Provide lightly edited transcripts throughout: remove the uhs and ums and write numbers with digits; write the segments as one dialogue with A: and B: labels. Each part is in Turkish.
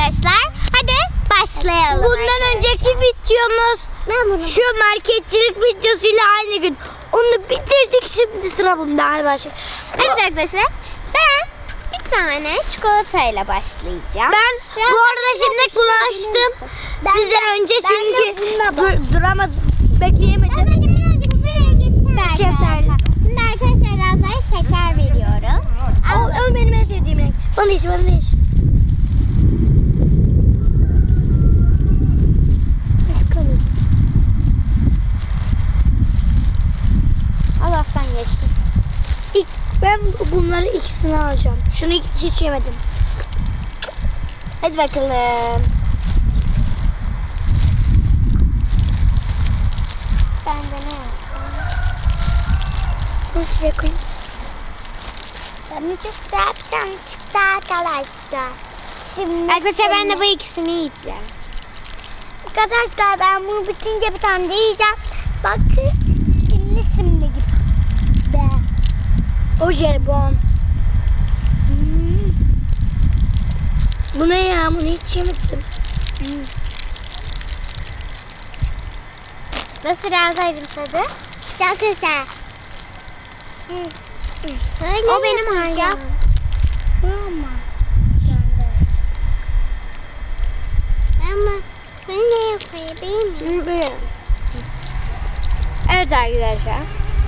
A: arkadaşlar. Hadi başlayalım.
B: Bundan önceki videomuz şu marketçilik videosuyla aynı gün. Onu bitirdik, şimdi sıra bunda. Hadi başlayalım.
A: Evet arkadaşlar. Ben bir tane çikolatayla başlayacağım.
B: Ben bu arada şimdi bunu açtım. Sizden önce çünkü duramadım. Bekleyemedim. Şeftali.
A: Şimdi arkadaşlar Raza'ya şeker veriyoruz.
B: O benim en sevdiğim renk. Bana değiş, bana değiş.
A: Allah'tan geçtim.
B: Ben bunları ikisini alacağım. Şunu hiç yemedim.
A: Hadi bakalım. Ben de ne yapsam?
B: Bunu şuraya koyayım.
A: Ben çok zaten çıktı arkadaşlar. Şimdi arkadaşlar ben de bu ikisini yiyeceğim.
B: Arkadaşlar ben bunu bitince bir tane de yiyeceğim. Bakın.
A: Simli gibi.
B: O jelibon. Bu ne ya? Bunu hiç yemedim.
A: Nasıl Raza'cığım tadı?
B: Çok güzel.
A: O benim hayran.
B: Ama ben ne yapayım?
A: Evet arkadaşlar.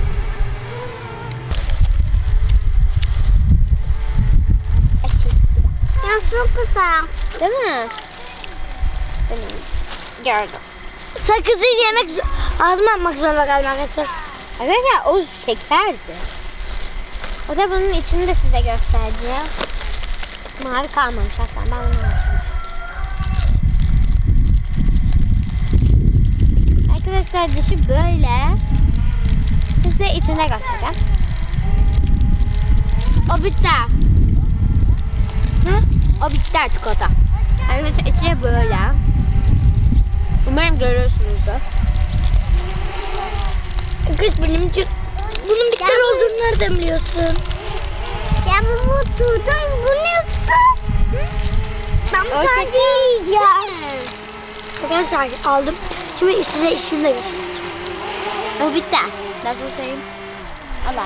B: Ya çok güzel.
A: Değil mi? Benim gördüm.
B: Sakızı yemek ağzıma atmak zorunda kaldım arkadaşlar.
A: Arkadaşlar o şekerdi. O da bunun içini de size göstereceğim. Mavi kalmamış aslında. Ben bunu açayım. Arkadaşlar dışı böyle. Size içinde göstereceğim. O bitter. Hı? O bitter çikolata. Arkadaşlar içi böyle. Umarım görüyorsunuzdur.
B: Kız bunun bitter olduğunu nereden biliyorsun? Ya bu tutum, bu ne tutum? Ben
A: O
B: sadece yiyeceğim. Arkadaşlar aldım. Şimdi size işini de göstereceğim.
A: O bitter. Nasıl söyleyeyim? Allah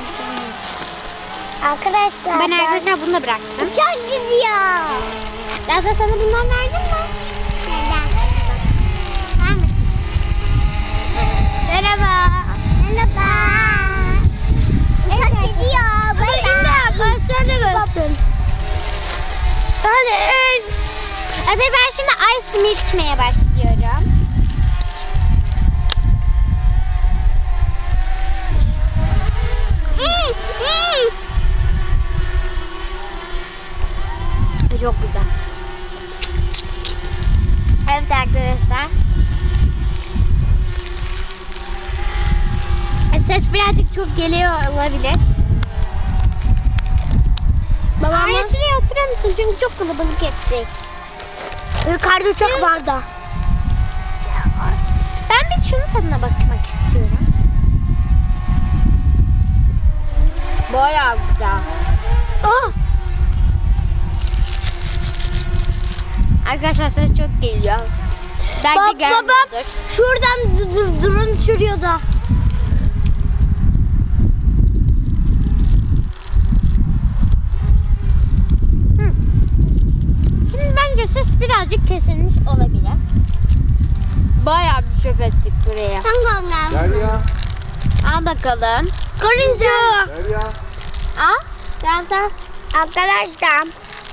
B: Arkadaşlar
A: Ben arkadaşlar bunu da bıraktım.
B: çok gidiyor.
A: Lazla sana bundan verdim mi?
B: Merhaba. Merhaba. Çok gidiyor. Sen de görsün. Hadi.
A: Hadi ben şimdi ice milk içmeye başlıyorum. Çok güzel. Evet arkadaşlar. Ses birazcık çok geliyor olabilir.
B: Babamla
A: Arya şuraya oturur musun? Çünkü çok kalabalık ettik.
B: yukarıda çok var da.
A: Ben bir şunun tadına bakmak istiyorum. Bayağı güzel.
B: Oh.
A: Arkadaşlar ses çok geliyor. Belki
B: Babam
A: gelmiyordur.
B: şuradan drone uçuruyor da.
A: Şimdi bence ses birazcık kesilmiş olabilir. Bayağı bir çöp ettik buraya.
B: Sen gönder.
C: Derya.
A: Al bakalım.
B: Karınca.
C: Derya.
A: Al. Gel de.
B: Arkadaşlar.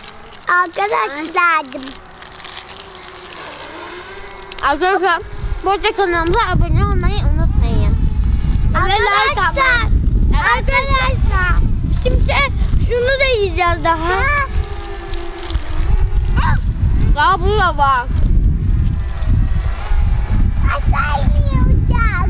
A: Arkadaşlar bu arada kanalımıza abone olmayı unutmayın.
B: Arkadaşlar. Arkadaşlar. Şimdi şunu da yiyeceğiz daha.
A: Daha bu da var.
B: Aşağı iniyor.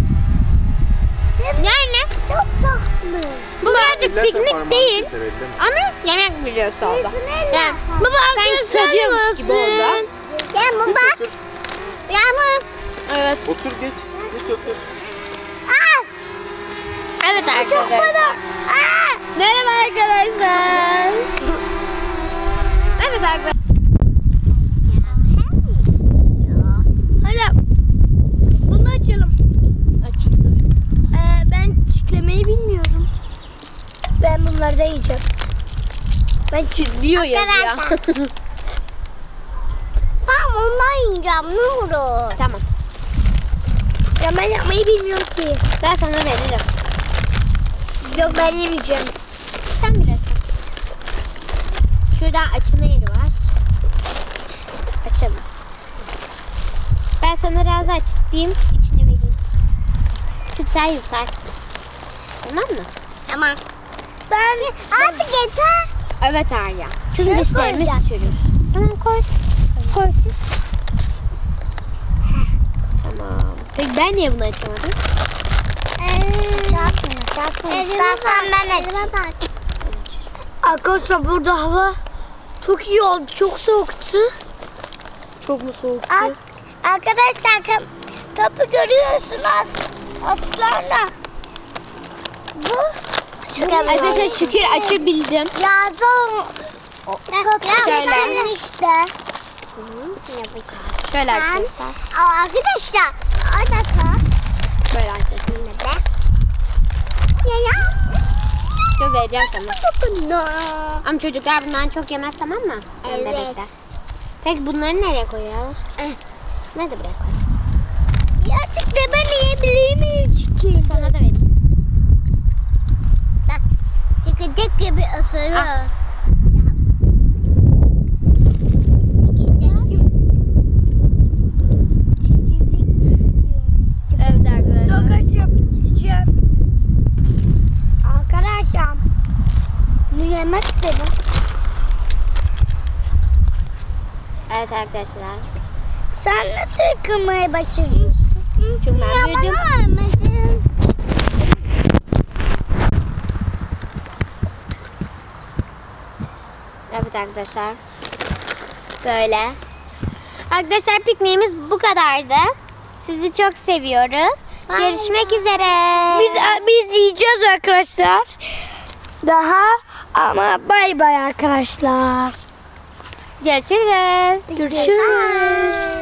A: Yani
B: Çok tatlı.
A: bu birazcık
C: Elleme
A: piknik
C: parmağını
A: değil.
C: keser, elleme.
A: Ama yemek videosu oldu. Yani
B: Baba
A: sanki tadıyormuş gibi oldu.
B: Ya bak.
C: Otur.
B: Yağmur.
A: Evet.
C: Otur geç. Geç otur.
A: Evet
B: Çok
A: arkadaşlar.
B: bana.
A: Merhaba arkadaşlar. Evet arkadaşlar.
B: bunları da yiyeceğim. Ben
C: Diyor yazıyor.
A: Ben ondan yiyeceğim ne olur.
C: Tamam.
B: Ya ben yapmayı bilmiyorum ki.
C: Ben sana veririm.
B: Yok ben yemeyeceğim.
C: Sen bilirsin. Şuradan açma yeri var. Açalım. Ben sana razı açayım. İçine vereyim. Şimdi sen yutarsın. Tamam mı?
A: Tamam. Ben artık yeter.
C: Evet Arya. Çünkü
A: Şuraya
C: dişlerimiz
A: koyacağım.
C: çürür. Tamam koy. Koy. Tamam. Peki ben niye bunu açamadım?
A: İstersen ben açayım.
B: Arkadaşlar burada hava çok iyi oldu. Çok soğuktu.
C: Çok mu soğuk?
A: Arkadaşlar topu görüyorsunuz. Aslanla. Bu
C: Arkadaşlar şükür açabildim.
A: yazın.
C: Şöyle.
A: işte.
C: Şöyle arkadaşlar.
A: Arkadaşlar orada
C: Böyle arkadaşlar.
A: ya.
C: Dur vereceğim sana.
A: No.
C: Ama çocuklar bundan çok yemez tamam mı?
A: Evet.
C: Bebekler. Peki bunları nereye koyuyoruz? Nerede buraya koyuyoruz?
A: Artık da ben yiyebilir miyim çünkü?
C: Sana da vereyim.
A: Çıkacak gibi ısırıyor.
C: Ah. Evet arkadaşlar.
B: Çok açım. Gideceğim. Arkadaşlar. Bunu yemek istedim.
C: Evet arkadaşlar.
B: Sen nasıl yıkamayı başarıyorsun?
C: Çünkü ben büyüdüm.
A: Vermedin.
C: Evet arkadaşlar. Böyle. Arkadaşlar pikniğimiz bu kadardı. Sizi çok seviyoruz. Görüşmek üzere.
B: Biz yiyeceğiz arkadaşlar. Daha ama bay bay arkadaşlar.
C: Görüşürüz.
B: Görüşürüz.